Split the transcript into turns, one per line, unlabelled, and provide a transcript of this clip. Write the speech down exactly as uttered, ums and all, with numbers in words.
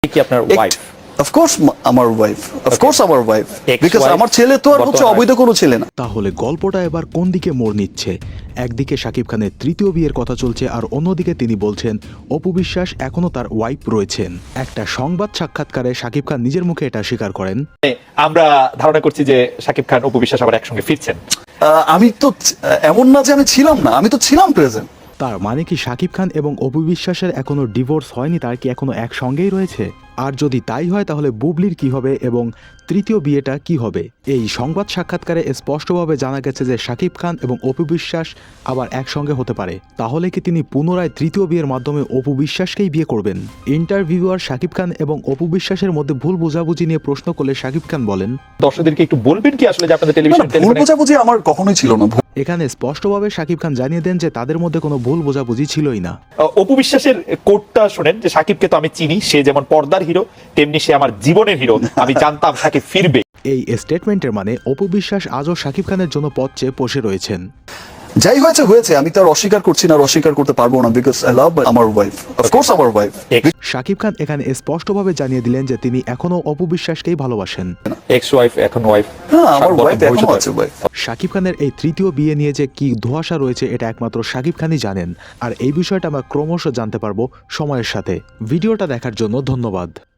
কি আপনার wife?
Of course আমার ওয়াইফ, অফ কোর্স আমার ওয়াইফ,
Ex-wife,
বিকজ আমার ছেলে তো আর হচ্ছে
বর্তমান
অবৈধ কোনো ছেলে না।
তাহলে গল্পটা এবার কোন দিকে মোড় নিচ্ছে? একদিকে শাকিব খানের তৃতীয় বিয়ের কথা চলছে, আর অন্যদিকে তিনি বলছেন অপু বিশ্বাস এখনো তার ওয়াইফ রয়েছেন। একটা সংবাদ সাক্ষাৎকারে শাকিব খান নিজের মুখে এটা স্বীকার করেন।
আমরা ধারণা করছি যে শাকিব খান অপু বিশ্বাস আবার একসঙ্গে ফিরছেন।
আহ, আমি তো আহ, এমন না যে আমি ছিলাম না, আমি তো ছিলাম প্রেজেন্ট।
তার মানে কি শাকিব খান এবং অপু বিশ্বাসের এখনো ডিভোর্স হয়নি? তার কি এখনো একসঙ্গেই রয়েছে? আর যদি তাই হয় তাহলে বুবলির কি হবে এবং তৃতীয় বিয়েটা কি হবে? এই সংবাদ সাক্ষাৎকারে স্পষ্টভাবে জানা গেছে যে শাকিব খান এবং অপু বিশ্বাস আবার একসঙ্গে হতে পারে। তাহলে কি তিনি পুনরায় তৃতীয় বিয়ের মাধ্যমে অপু বিশ্বাসকেই বিয়ে করবেন? ইন্টারভিউয়ার শাকিব খান এবং অপু বিশ্বাসের মধ্যে ভুল বোঝাবুঝি নিয়ে প্রশ্ন করলে শাকিব খান বলেন,
দর্শকদেরকে একটু বলবেন কি আসলে যে আপনাদের
না,
টেলিভিশন
না, ভুল বোঝাবুঝি আমার কখনোই ছিল না।
এখানে স্পষ্টভাবে শাকিব খান জানিয়ে দেন যে তাদের মধ্যে কোনো ভুল বোঝাবুঝি ছিলই না।
অপু বিশ্বাসের কোটটা শুনেন যে শাকিবকে তো আমি চিনি, সে যেমন পর্দার হিরো তেমনি সে আমার জীবনের হিরো, আমি জানতাম শাকিব ফিরবে।
এই স্টেটমেন্টের মানে অপু বিশ্বাস আজও শাকিব খানের জন্য পথ চেয়ে বসে রয়েছেন।
যাই হয়েছে হয়েছে, আমি তার অস্বীকার করছি না, আর অস্বীকার করতে পারবো না, বিকজ আই লাভ আমার ওয়াইফ, অফ কোর্স আমার ওয়াইফ।
শাকিব খান এখানে স্পষ্টভাবে জানিয়ে দিলেন যে তিনি এখনো অপু বিশ্বাসকেই ভালোবাসেন।
এক্স ওয়াইফ এখন ওয়াইফ।
হ্যাঁ, আমার ওয়াইফ এখনো আছে ওয়াইফ।
শাকিব খানের এই তৃতীয় বিয়ে নিয়ে যে কি ধোঁয়াশা রয়েছে এটা একমাত্র শাকিব খানই জানেন, আর এই বিষয়টা আমরা ক্রমশ জানতে পারবো সময়ের সাথে। ভিডিওটা দেখার জন্য ধন্যবাদ।